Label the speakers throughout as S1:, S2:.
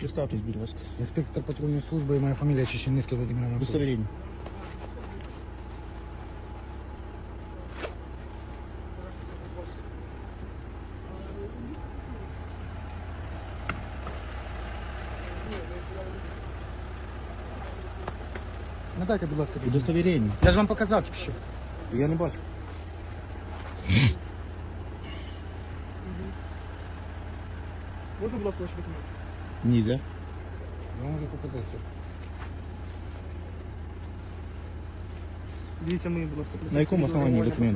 S1: Представтесь, будь ласка.
S2: Інспектор патрульної служби, моя фамілія Чеченицький Володимир Анатолійович.
S1: Удостоверение.
S2: Надайте, будь ласка, документ.
S1: Удостоверение.
S2: Я ж вам показав тільки що.
S1: Я не бачу.
S3: Можна, будь ласка, ваші документи?
S1: Нельзя.
S2: Я можу показати все.
S3: Дивіться мої, будь ласка,
S1: На якому основанні документ?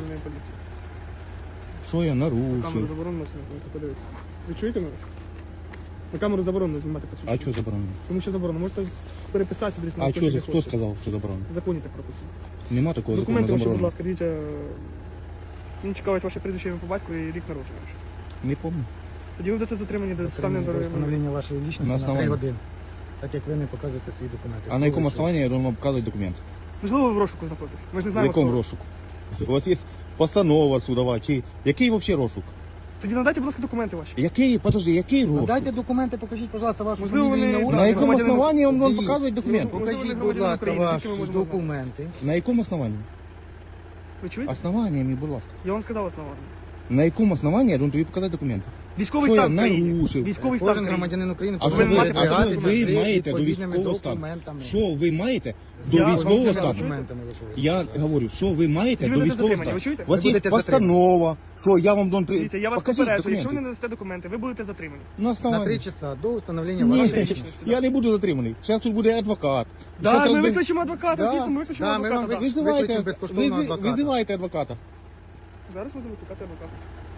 S1: Що я
S3: Камеру
S1: нарушив?
S3: заборонено знімати, можете подивитися. Ви чуєте мене? На камеру заборонено знімати
S1: А
S3: посвідчення.
S1: що заборонено?
S3: Тому що заборонено. Можете переписатися десь на
S1: А
S3: листочок,
S1: що,
S3: як
S1: хто
S3: хочете.
S1: сказав, що заборонено?
S3: В законі так прописано.
S1: Нема такого закону
S3: Документи ваші, будь
S1: заборонено.
S3: ласка, дивіться. Мені цікавить ваше прізвище ім'я по батьку і рік народження. ваше.
S1: Не помню.
S3: Тоді ви будете затримані до доставлення
S2: До
S3: до
S2: встановлення вашої
S1: На
S2: лічності на 3
S1: основанні.
S2: години. Так як ви не показуєте свої документи.
S1: А на якому основанні я должен показувати документ?
S3: Можливо, ви в розшуку знаходитесь. Ми ж не
S1: В
S3: знаємо.
S1: якому
S3: хто ви.
S1: розшуку? У вас є постанова судова, чи який взагалі розшук?
S3: Тоді надайте, будь ласка, документи ваші.
S1: Який, подожди, який розшук?
S2: Дайте документи, покажіть, будь ласка, вашу
S3: Можливо,
S2: фамілію,
S3: вони-
S2: ім'я,
S1: На
S2: отчество.
S1: якому
S3: громадянин-
S1: основанні я вам должен
S2: Дивіться.
S1: показувати документ?
S3: Можливо,
S2: Покажіть,
S3: ви
S2: будь
S3: громадянин
S2: ласка,
S3: України,
S2: ваші
S3: тільки ми можемо
S2: документи.
S1: На якому основанні?
S3: Ви чуєте?
S1: Основаннями, будь ласка.
S3: Я вам сказав основання.
S1: На якому основанні я должен тобі показати документи?
S3: Військовий
S1: Що я
S3: стан в країні.
S1: нарушив?
S3: Військовий стан в
S2: Кожен
S3: країні.
S2: громадянин України
S1: А що
S3: повинен
S1: ви,
S3: мати
S1: а що
S3: посвідчення
S1: ви
S2: з
S1: маєте до
S2: відповідними
S1: військового стану?
S2: документами.
S1: Що ви маєте до
S3: Я вам
S1: військового
S3: сказав,
S1: стану?
S2: Документами ви повинні.
S1: Я говорю, що ви маєте
S3: Ви
S1: до
S3: будете
S1: військового
S3: затримані,
S1: стану?
S3: ви чуєте?
S1: У вас
S2: Ви
S1: є
S2: будете
S1: постанова, що я вам должен...
S3: Дивіться, я вас
S1: Покажіть
S3: попереджую, якщо ви
S1: документи.
S3: не надасте документи, ви будете затримані.
S1: На
S2: На
S1: основанні.
S2: 3 часа до встановлення
S1: Ні,
S2: вашої
S3: Вашої
S2: лічності.
S3: лічності.
S1: я не буду затриманий. Зараз тут буде адвокат.
S3: Да,
S1: Зараз
S3: ми
S1: розбер-
S3: викличемо адвоката,
S1: Да.
S3: звісно, ми викличемо
S2: Да, ми вам
S3: адвоката. да.
S2: викличемо
S1: Визивайте,
S2: безкоштовного адвоката.
S1: визивайте адвоката.
S3: Зараз будемо викликати адвоката.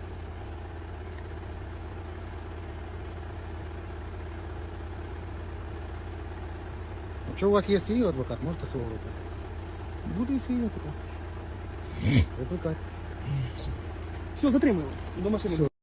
S2: Якщо у вас є свій адвокат, можете свого викликати.
S1: Буду і свій адвокат.
S2: Викликайте.
S3: Все, затримуємо. До машини.